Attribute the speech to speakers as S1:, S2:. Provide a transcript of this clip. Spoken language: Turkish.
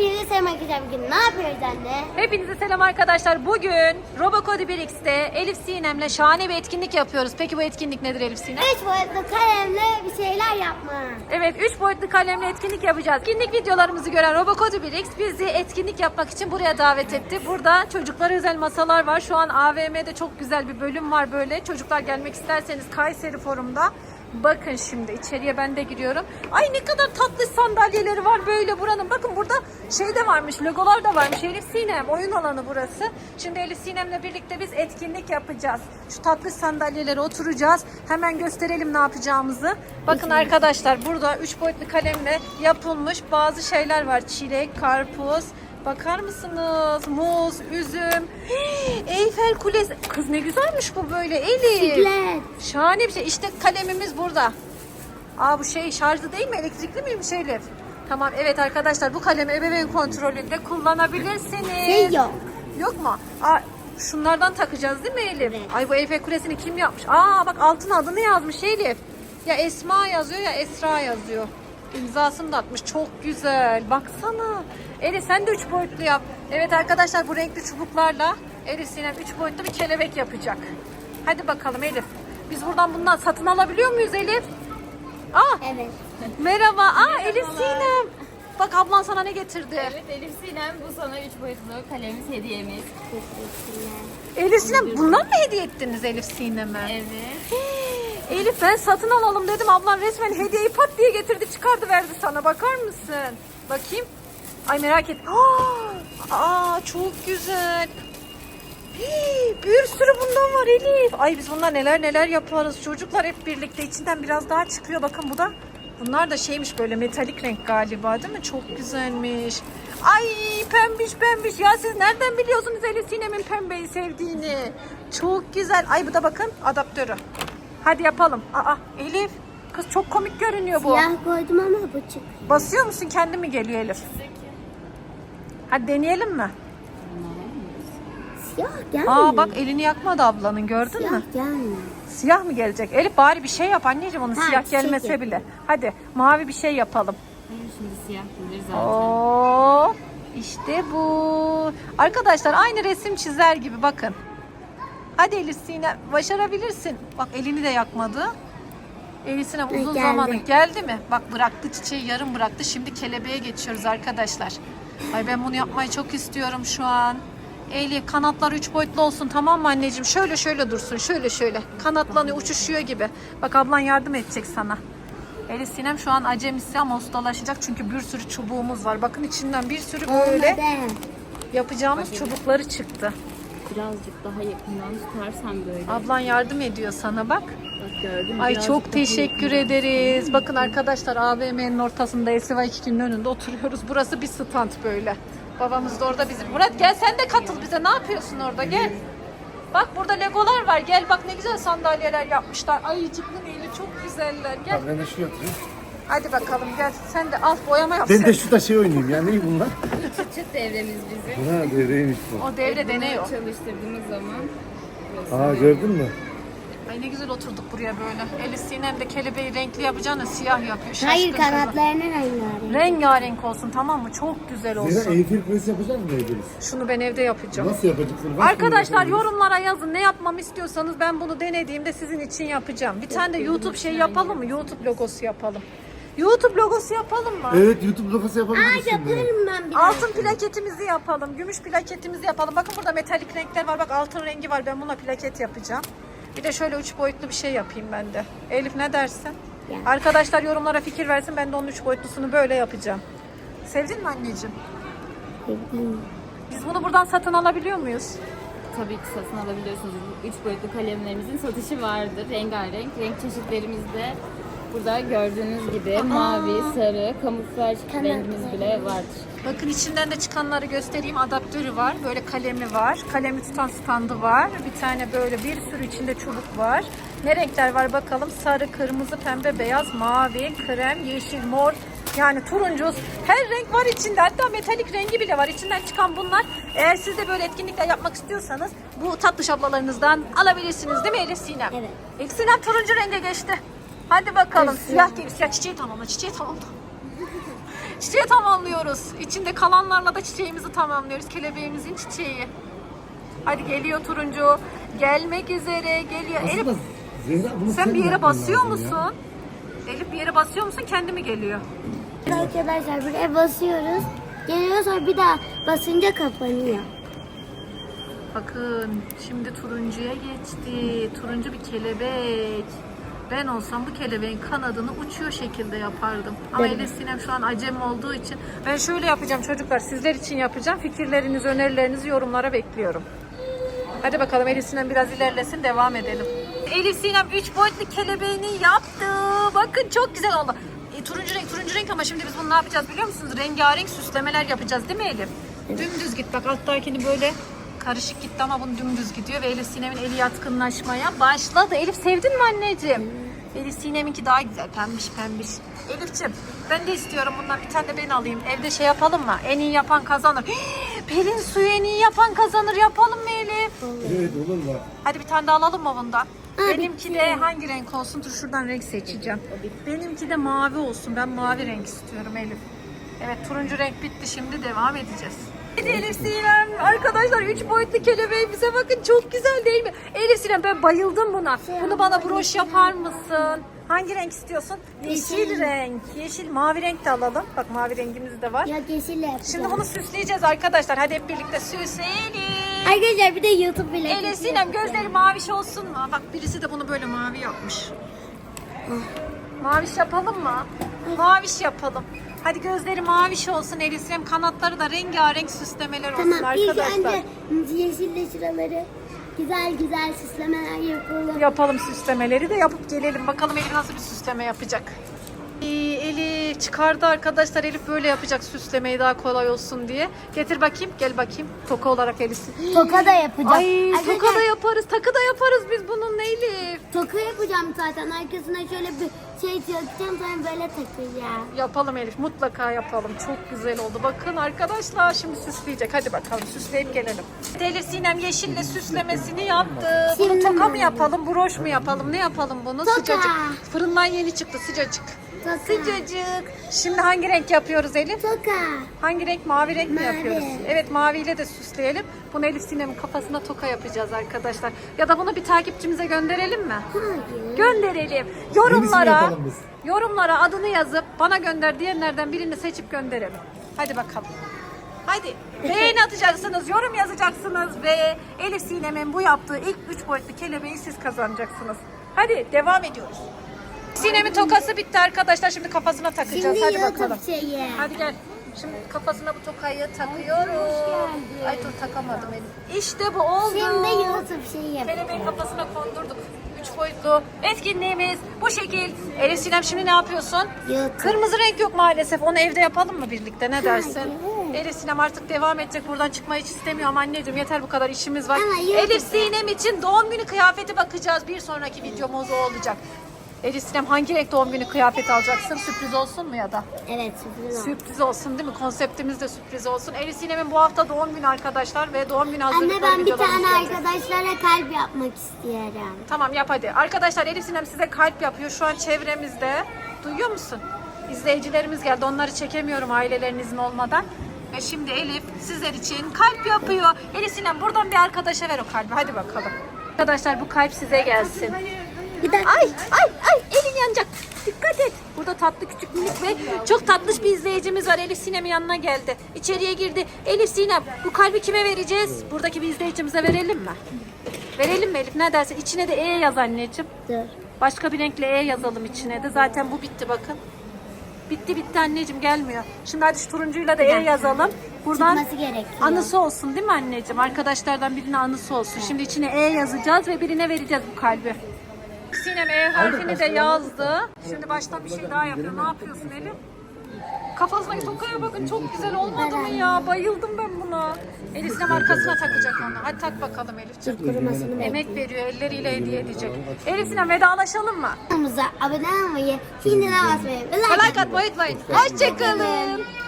S1: Hepinize selam arkadaşlar. Bugün ne yapıyoruz anne?
S2: Hepinize selam arkadaşlar. Bugün Robocode 1x'te Elif Sinem'le şahane bir etkinlik yapıyoruz. Peki bu etkinlik nedir Elif Sinem?
S1: 3 boyutlu kalemle bir şeyler yapma.
S2: Evet, 3 boyutlu kalemle etkinlik yapacağız. Etkinlik videolarımızı gören Robocode 1x bizi etkinlik yapmak için buraya davet etti. Burada çocuklara özel masalar var. Şu an AVM'de çok güzel bir bölüm var böyle. Çocuklar gelmek isterseniz Kayseri Forum'da. Bakın şimdi içeriye ben de giriyorum. Ay ne kadar tatlı sandalyeleri var böyle buranın. Bakın burada şey de varmış, logolar da varmış. Elif Sinem oyun alanı burası. Şimdi Elif Sinem'le birlikte biz etkinlik yapacağız. Şu tatlı sandalyelere oturacağız. Hemen gösterelim ne yapacağımızı. Bakın arkadaşlar burada 3 boyutlu kalemle yapılmış bazı şeyler var. Çilek, karpuz. Bakar mısınız? Muz, üzüm. Eyfel Kulesi. Kız ne güzelmiş bu böyle Elif.
S1: Bisiklet.
S2: Şahane bir şey. İşte kalemimiz burada. Aa bu şey şarjlı değil mi? Elektrikli miymiş Elif? Tamam evet arkadaşlar bu kalemi ebeveyn kontrolünde kullanabilirsiniz.
S1: Şey yok.
S2: Yok mu? Aa, şunlardan takacağız değil mi Elif?
S1: Evet.
S2: Ay bu Eyfel Kulesi'ni kim yapmış? Aa bak altına adını yazmış Elif. Ya Esma yazıyor ya Esra yazıyor. İmzasını da atmış. Çok güzel. Baksana. Elif sen de 3 boyutlu yap. Evet arkadaşlar bu renkli çubuklarla Elif Sinem 3 boyutlu bir kelebek yapacak. Hadi bakalım Elif. Biz buradan bundan satın alabiliyor muyuz Elif? Aa,
S1: Evet.
S2: merhaba. Aa Elif Sinem. Bak ablan sana ne getirdi?
S3: Evet Elif Sinem bu sana 3 boyutlu kalemimiz hediyemiz.
S2: Elif Sinem bundan mı hediye ettiniz Elif Sinem'e?
S3: Evet.
S2: Elif ben satın alalım dedim. Ablan resmen hediyeyi pat diye getirdi çıkardı verdi sana. Bakar mısın? Bakayım. Ay merak et. Aa çok güzel. Bir sürü bundan var Elif. Ay biz bunlar neler yaparız. Çocuklar hep birlikte içinden biraz daha çıkıyor. Bakın bu da. Bunlar da şeymiş böyle metalik renk galiba değil mi? Çok güzelmiş. Ay pembiş. Ya siz nereden biliyorsunuz Elif Sinem'in pembeyi sevdiğini? Çok güzel. Ay bu da bakın adaptörü. Hadi yapalım. Aa Elif. Kız çok komik görünüyor bu.
S1: Siyah koydum ama bu çık.
S2: Basıyor musun? Kendi mi geliyor Elif? Hadi deneyelim mi?
S1: Siyah gelmiyor.
S2: Aa bak elini yakmadı ablanın gördün
S1: Siyah
S2: mü?
S1: gelmiyor.
S2: Siyah mı gelecek? Elif bari bir şey yap anneciğim onu
S1: Ha,
S2: siyah
S1: çiçek
S2: gelmese
S1: yapayım.
S2: bile. Hadi mavi bir şey yapalım.
S3: Şimdi siyah gelir zaten.
S2: Oo, işte bu. Arkadaşlar aynı resim çizer gibi bakın. Hadi Elif Sinem başarabilirsin. Bak elini de yakmadı. Elif Sinem uzun
S1: geldi.
S2: zamanı geldi mi? Bak bıraktı çiçeği yarım bıraktı. Şimdi kelebeğe geçiyoruz arkadaşlar. Ay ben bunu yapmayı çok istiyorum şu an. Elif kanatlar 3 boyutlu olsun tamam mı anneciğim? Şöyle dursun şöyle. Kanatlanıyor uçuşuyor gibi. Bak ablan yardım edecek sana. Elif Sinem şu an acemisi ama ustalaşacak çünkü bir sürü çubuğumuz var. Bakın içinden bir sürü böyle
S1: Olmadı.
S2: yapacağımız çubukları çıktı.
S3: Birazcık daha yakından tutarsan böyle.
S2: Ablan yardım ediyor sana bak.
S3: Bak gördün mü?
S2: Ay
S3: Birazcık
S2: çok
S3: daha
S2: teşekkür
S3: yakından.
S2: ederiz. Bakın arkadaşlar AVM'nin ortasında SY2'nin önünde oturuyoruz. Burası bir stand böyle. Babamız da orada bizim. Murat gel sen de katıl bize. Ne yapıyorsun orada gel. Bak burada legolar var. Gel bak ne güzel sandalyeler yapmışlar. Ayıcıklı neyli çok güzeller. Gel.
S4: Ben de şunu atayım.
S2: Hadi bakalım gel. Sen de al boyama yap.
S4: Ben
S2: sen.
S4: de şurada şey oynayayım ya. Ne bunlar?
S3: Çıt devremiz bizim.
S4: Ha devreymiş bu.
S2: O devre deniyor.
S3: Çalıştırdığımız zaman.
S4: Aa gördün mü?
S2: Ay ne güzel oturduk buraya böyle. Elif Sinem de kelebeği renkli yapacağını siyah yapıyor.
S1: Hayır
S2: Şaşkın kızım.
S1: kanatlarını rengarenk.
S2: Rengarenk olsun tamam mı? Çok güzel
S4: Zira
S2: olsun.
S4: Eyfel Kulesi yapacak mı Eyfel'iz?
S2: Şunu ben evde yapacağım.
S4: Nasıl yapacaksın? Nasıl
S2: Arkadaşlar
S4: yapabiliriz?
S2: yorumlara yazın ne yapmamı istiyorsanız ben bunu denediğimde sizin için yapacağım. Bir tane de YouTube şey yapalım mı? YouTube logosu yapalım. YouTube logosu yapalım mı?
S4: Evet YouTube logosu yapabiliriz şimdi.
S1: Yaparım ben bir
S2: Altın plaketimizi yapalım. Gümüş plaketimizi yapalım. Bakın burada metalik renkler var. Bak altın rengi var. Ben buna plaket yapacağım. Bir de şöyle 3 boyutlu bir şey yapayım ben de. Elif ne dersin?
S1: Ya.
S2: Arkadaşlar yorumlara fikir versin. Ben de onun 3 boyutlusunu böyle yapacağım. Sevdin mi anneciğim? Biz bunu buradan satın alabiliyor muyuz?
S3: Tabii ki satın alabiliyorsunuz. 3 boyutlu kalemlerimizin satışı vardır. Rengarenk. Renk çeşitlerimiz de burada gördüğünüz gibi mavi, sarı, kamuflaj rengimiz bile vardır.
S2: Bakın içinden de çıkanları göstereyim. Adaptörü var. Böyle kalemi var. Kalemi tutan standı var. Bir tane böyle bir sürü içinde çubuk var. Ne renkler var bakalım. Sarı, kırmızı, pembe, beyaz, mavi, krem, yeşil, mor. Yani turuncu. Her renk var içinde. Hatta metalik rengi bile var. İçinden çıkan bunlar. Eğer siz de böyle etkinlikler yapmak istiyorsanız bu tatlı ablalarınızdan alabilirsiniz değil mi Elif Sinem?
S1: Evet.
S2: Elif Sinem turuncu renge geçti. Hadi bakalım.
S1: Evet,
S2: Siyah gibi. Siyah çiçeği tamamla. Çiçeği tamamla. Çiçeği tamamlıyoruz. İçinde kalanlarla da çiçeğimizi tamamlıyoruz. Kelebeğimizin çiçeği. Hadi geliyor turuncu. Gelmek üzere geliyor. Elif
S4: Aslında Zehra bunu
S2: sen bir yere
S4: yapman
S2: basıyor
S4: lazım
S2: musun?
S4: ya.
S2: Elif bir yere basıyor musun? Kendi mi geliyor?
S1: Arkadaşlar buraya basıyoruz. Geliyor sonra bir daha basınca kapanıyor.
S2: Bakın şimdi turuncuya geçti. Turuncu bir kelebek. Ben olsam bu kelebeğin kanadını uçuyor şekilde yapardım. Ama Elif Sinem şu an acem olduğu için ben şöyle yapacağım çocuklar. Sizler için yapacağım. Fikirlerinizi, önerilerinizi yorumlara bekliyorum. Hadi bakalım Elif Sinem biraz ilerlesin, devam edelim. Elif Sinem 3 boyutlu kelebeğini yaptı. Bakın çok güzel oldu. Turuncu renk ama şimdi biz bunu ne yapacağız biliyor musunuz? Rengarenk süslemeler yapacağız değil mi Elif? Dümdüz git bak, alttakini böyle karışık gitti ama bunu dümdüz gidiyor ve Elif Sinem'in eli yatkınlaşmaya başladı. Elif sevdin mi anneciğim? Elif Sinem'inki daha güzel, pembiş pembiş. Elif'ciğim ben de istiyorum bundan bir tane de ben alayım. Evde şey yapalım mı? En iyi yapan kazanır. Pelin suyu en iyi yapan kazanır. Yapalım mı Elif?
S4: Evet olur mu?
S2: Hadi bir tane de alalım mı bundan? Benimki de hangi renk olsun? Dur şuradan renk seçeceğim. Benimki de mavi olsun. Ben mavi renk istiyorum Elif. Evet turuncu renk bitti. Şimdi devam edeceğiz. Elif Sinem arkadaşlar 3 boyutlu kelebeğimize bakın, çok güzel değil mi? Elif Sinem ben bayıldım buna. Bunu bana broş yapar mısın? Hangi renk istiyorsun? Yeşil renk. Yeşil, mavi renk de alalım. Bak mavi rengimiz de var.
S1: Ya yeşille yapacağız.
S2: Şimdi bunu süsleyeceğiz arkadaşlar. Hadi hep birlikte süsleyelim.
S1: Arkadaşlar bir de YouTube bile.
S2: Elif Sinem gözleri maviş olsun mu? Bak birisi de bunu böyle mavi yapmış. Maviş yapalım mı? Maviş yapalım. Hadi gözleri maviş olsun Elif Sinem. Kanatları da rengarenk süslemeler olsun
S1: Tamam ilk
S2: arkadaşlar.
S1: önce yeşille şuraları güzel güzel süslemeler yapalım.
S2: Yapalım süslemeleri de yapıp gelelim. Bakalım Elif nasıl bir süsleme yapacak. Elif çıkardı arkadaşlar. Elif böyle yapacak süslemeyi daha kolay olsun diye. Getir bakayım. Gel bakayım. Toka olarak Elif.
S1: Toka da yapacağım.
S2: Ay
S1: Arkadaşlar,
S2: toka da yaparız. Takı da yaparız biz bununla Elif.
S1: toka yapacağım zaten. Arkasına şöyle bir şey takacağım sonra böyle takacağım.
S2: Yapalım Elif. Mutlaka yapalım. Çok güzel oldu. Bakın arkadaşlar şimdi süsleyecek. Hadi bakalım süsleyip gelelim. Elif Sinem yeşille süslemesini yaptı. Bunu
S1: Şimdi
S2: toka mı
S1: mi?
S2: yapalım? Broş mu yapalım? Ne yapalım bunu?
S1: Toka.
S2: Sıcacık. Fırından yeni çıktı sıcacık.
S1: Toka.
S2: Sıcacık. Şimdi hangi renk yapıyoruz Elif?
S1: Toka.
S2: Hangi renk? Mavi renk mi
S1: Mavi.
S2: yapıyoruz? Evet maviyle de süsleyelim. Bunu Elif Sinem'in kafasına toka yapacağız arkadaşlar. Ya da bunu bir takipçimize gönderelim mi?
S1: Hayır.
S2: Gönderelim.
S4: Yenisini
S2: Yorumlara,
S4: yapalım biz.
S2: yorumlara adını yazıp bana gönder diyenlerden birini seçip gönderelim. Hadi bakalım. Hadi beğeni atacaksınız, yorum yazacaksınız ve Elif Sinem'in bu yaptığı ilk 3 boyutlu kelebeği siz kazanacaksınız. Hadi devam ediyoruz. Sinem'in tokası bitti arkadaşlar. Şimdi kafasına takacağız.
S1: Şimdi
S2: Hadi
S1: YouTube
S2: bakalım.
S1: şeyi.
S2: Hadi gel. Şimdi kafasına bu tokayı takıyorum. Ay dur takamadım Elif. İşte bu oldu.
S1: Şimdi YouTube şeyi yap.
S2: Kelebeğin kafasına kondurduk. 3 boyutlu etkinliğimiz bu şekil. Elif Sinem şimdi ne yapıyorsun?
S1: YouTube.
S2: Kırmızı renk yok maalesef. Onu evde yapalım mı birlikte? Ne dersin?
S1: Hayır.
S2: Elif Sinem artık devam edecek. Buradan çıkmayı hiç istemiyorum anneciğim. Yeter bu kadar işimiz var.
S1: Ama YouTube.
S2: Elif Sinem için doğum günü kıyafeti bakacağız. Bir sonraki videomuz o olacak. Elif Sinem hangi renk doğum günü kıyafeti alacaksın? Sürpriz olsun mu ya da?
S1: Evet sürpriz oldu.
S2: Sürpriz olsun değil mi? Konseptimiz de sürpriz olsun. Elif Sinem'in bu hafta doğum günü arkadaşlar ve doğum günü hazırlıkları
S1: Anne ben bir
S2: videolarımızı
S1: tane
S2: göreceğiz.
S1: arkadaşlara kalp yapmak istiyorum.
S2: Tamam yap hadi. Arkadaşlar Elif Sinem size kalp yapıyor. Şu an çevremizde. Duyuyor musun? İzleyicilerimiz geldi. Onları çekemiyorum ailelerin izni olmadan. Ve şimdi Elif sizler için kalp yapıyor. Elif Sinem buradan bir arkadaşa ver o kalbi. Hadi bakalım. Arkadaşlar bu kalp size gelsin.
S1: Bir dakika.
S2: Ay elin yanacak. Dikkat et. Burada tatlı küçük minik ve çok tatlış bir izleyicimiz var. Elif Sinem'in yanına geldi. İçeriye girdi. Elif Sinem bu kalbi kime vereceğiz? Buradaki bir izleyicimize verelim mi? Verelim mi Elif? Ne dersin? İçine de E yaz anneciğim.
S1: Dur.
S2: Başka bir renkle E yazalım içine de. Zaten bu bitti bakın. Bitti anneciğim gelmiyor. Şimdi hadi şu turuncuyla da E yazalım. Buradan
S1: Çıkması gerekiyor.
S2: anısı olsun değil mi anneciğim? Arkadaşlardan birine anısı olsun. Şimdi içine E yazacağız ve birine vereceğiz bu kalbi. Sinem E harfini de yazdı. Şimdi baştan bir şey daha yapıyor. Ne yapıyorsun Elif? Kafasındaki tokaya bakın çok güzel olmadı mı ya? Bayıldım ben buna. Elif Sinem arkasına takacak onu. Hadi tak bakalım Elifciğim.
S1: Kurumasını
S2: Emek veriyor, elleriyle hediye edecek. Elif Sinem vedalaşalım mı?
S1: Kanalımıza abone olmayı, zilini basmayı ve like
S2: Like atmayı unutmayın. Hoşçakalın.